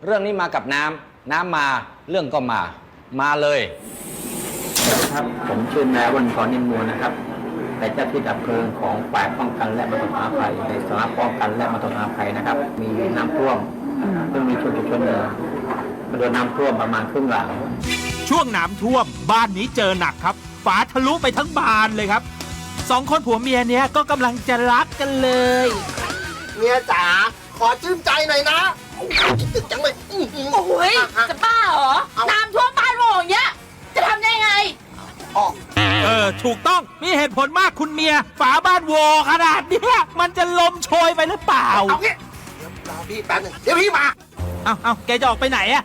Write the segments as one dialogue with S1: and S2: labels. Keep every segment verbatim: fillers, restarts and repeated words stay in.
S1: เรื่องนี้มากับน้ำน้ำมาเรื่องก็มามาเลย
S2: ครับผมชื่อนายวันพรนิมมูลนะครับเป็นเจ้าที่ดับเพลิงของฝ่ายป้องกันและบรรเทาสาธารณภัยในสำนักป้องกันและบรรเทาสาธารณภัยนะครับมีน้ำท่วมซึ่งมีชุมชนหนึ่งโดนน้ำท่วมประมาณครึ่งหลัง
S3: ช่วงน้ำท่วมบ้านนี้เจอหนักครับฝาทะลุไปทั้งบานเลยครับสองคนผัวเมียเนี้ยก็กำลังจะรักกันเลย
S4: เมียจ๋าขอชื่นใจหน่อยนะคิดถึงจังเลย
S5: โอ้ยจะบ้าเหรอน้ำท่วมบ้านโง่อย่างเงี้ยจะทำได้ไง
S3: เออถูกต้องมีเหตุผลมากคุณเมียฝาบ้านโวขนาดเนี้ยมันจะลมโชยไปหรือเปล่า
S4: เอางี้รอพี่แป๊บนึงเดี๋ยวพี่มา
S3: เอาเอาแกจะออกไปไหนอะ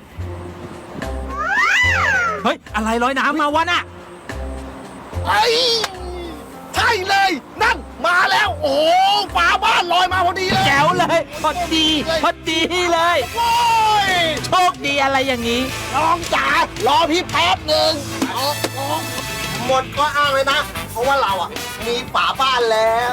S3: เฮ้ยอะไรลอยน้ำมาวะน่ะ
S4: ไอ้ใช่เลยนั่นมาแล้วโอ้ฝาบ้านลอยมาพอดีเลย
S3: แจ๋วเลยพอดีพอดีเลย
S4: โอ้ย
S3: โชคดีอะไรอย่างนี้
S4: น้องจ๋ารอพี่แป๊บหนึ่งหมดก็อ้างเลยนะเพราะว่าเราอ่ะมีฝาบ้านแล้ว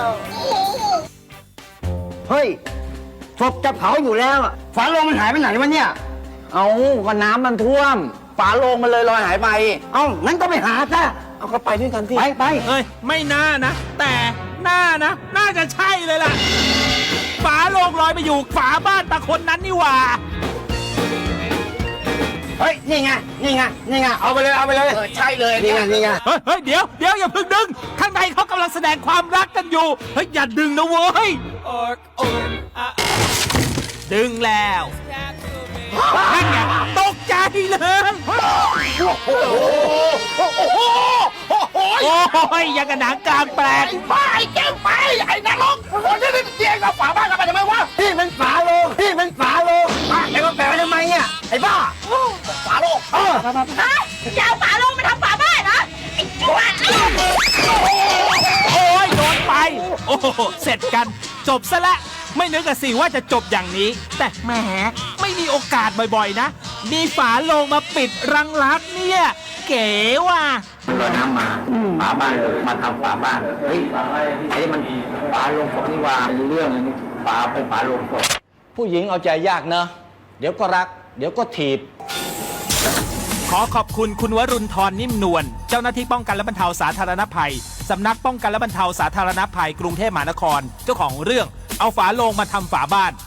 S2: เฮ้ยศพจะเผาอยู่แล้วฝาโลงมันหายไปไหนวะเนี่ยเอาก็น้ำมันท่วมฝาโลงมันเลยลอยหายไปเอ้างั้นก็ไปหาซะเอาก็ไปด้วยกันที่ไปไป
S3: เอ้ยไม่น่านะแต่น่านะน่าจะใช่เลยล่ะฝาโลงลอยไปอยู่ฝาบ้านตาคนนั้นนี่หว่า
S2: เฮ้ยนี่ไงนี่ไงนี่ไงเอาไปเลยเอาไปเลย
S4: ใช่เลย
S2: นี่ไงนี่ไง
S3: เฮ้ยเฮ้ยเดี๋ยวเดี๋ยวอย่าเพิ่งดึงข้างในเขากำลังแสดงความรักกันอยู่เฮ้ยอย่าดึงนะเว้ยดึงแล้วนั่นไงตกใจเลย
S4: โอ้โหโอ้โหโอ้โห
S3: โอ้ยยังกระหนังกลางแปลก
S4: ไปแก้มไปไอ้นรกคนที่ได้เตียงกับฝาบ้านกันไปทำไมวะ
S2: พี่มันฝาโลงพี่มันฝาโลงแล้วก็แปลทำไมเนี่ยไอ้บ้า
S4: ฝาโลง
S5: เออฮะจะเอาฝาโลงมาทำฝาบ้านนะไอ้ชั่ว
S3: โอ้ยโดนไปโอ้โหเสร็จกันจบซะแล้วไม่นึกอะสิว่าจะจบอย่างนี้แต่แหมไม่มีโอกาสบ่อยๆนะมีฝาโลงมาปิดรังรักเนี่ยเก๋ว่ะ
S2: รอน้ำมาฝาบ้านมาทำฝาบ้านเฮ้ยไอ้มันฝาโลงศพนี่ว่ามีเรื่องนี้ฝาเป็นฝาโลงศพ
S1: ผู้หญิงเอาใจยากเนอะเดี๋ยวก็รักเดี๋ยวก็ถีบ
S3: ขอขอบคุณคุณวรุณธรนิ่มนวลเจ้าหน้าที่ป้องกันและบรรเทาสาธารณภัยสำนักป้องกันและบรรเทาสาธารณภัยกรุงเทพมหานครเจ้าของเรื่องเอาฝาโลงมาทำฝาบ้าน